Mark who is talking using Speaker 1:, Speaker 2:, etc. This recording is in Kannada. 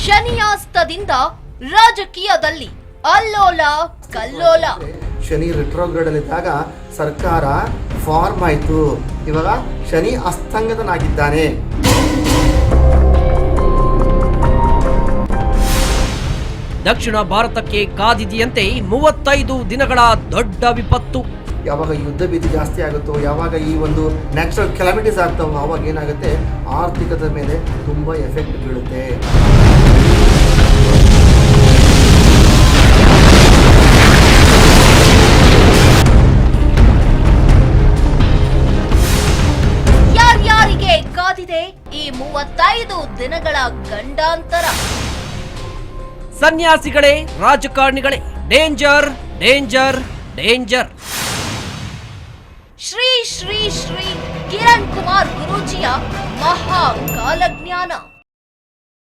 Speaker 1: ಶನಿಯಾಸ್ತದಿಂದ ರಾಜಕೀಯದಲ್ಲಿ ಅಲ್ಲೋಲ ಕಲ್ಲೋಲ.
Speaker 2: ಶನಿ ರಿಟ್ರೋಗ್ರೇಡ್ ಅಲ್ಲಿದ್ದಾಗ ಸರ್ಕಾರ ಫಾರ್ಮ್ ಆಯಿತು, ಇವಾಗ ಶನಿ ಅಸ್ತಂಗತನಾಗಿದ್ದಾನೆ.
Speaker 3: ದಕ್ಷಿಣ ಭಾರತಕ್ಕೆ ಕಾದಿದೆಯಂತೆ 35 ದಿನಗಳ ದೊಡ್ಡ ವಿಪತ್ತು.
Speaker 2: ಯಾವಾಗ ಯುದ್ಧ ಭೀತಿ ಜಾಸ್ತಿ ಆಗುತ್ತೋ, ಯಾವಾಗ ಈ ಒಂದು ನ್ಯಾಚುರಲ್ ಕೆಲಾಮಿಟೀಸ್ ಆಗ್ತಾವೋ, ಆವಾಗ ಏನಾಗುತ್ತೆ, ಆರ್ಥಿಕತೆ ಮೇಲೆ ತುಂಬ ಎಫೆಕ್ಟ್ ಬೀಳುತ್ತೆ.
Speaker 1: ಯಾರ್ಯಾರಿಗೆ ಕಾದಿದೆ ಈ 35 ದಿನಗಳ ಗಂಡಾಂತರ?
Speaker 3: ಸನ್ಯಾಸಿಗಳೇ, ರಾಜಕಾರಣಿಗಳೇ, danger danger danger.
Speaker 1: Shri Shri Shri Kiran Kumar ಗುರೂಜಿಯ ಮಹಾ ಕಾಲಜ್ಞಾನ.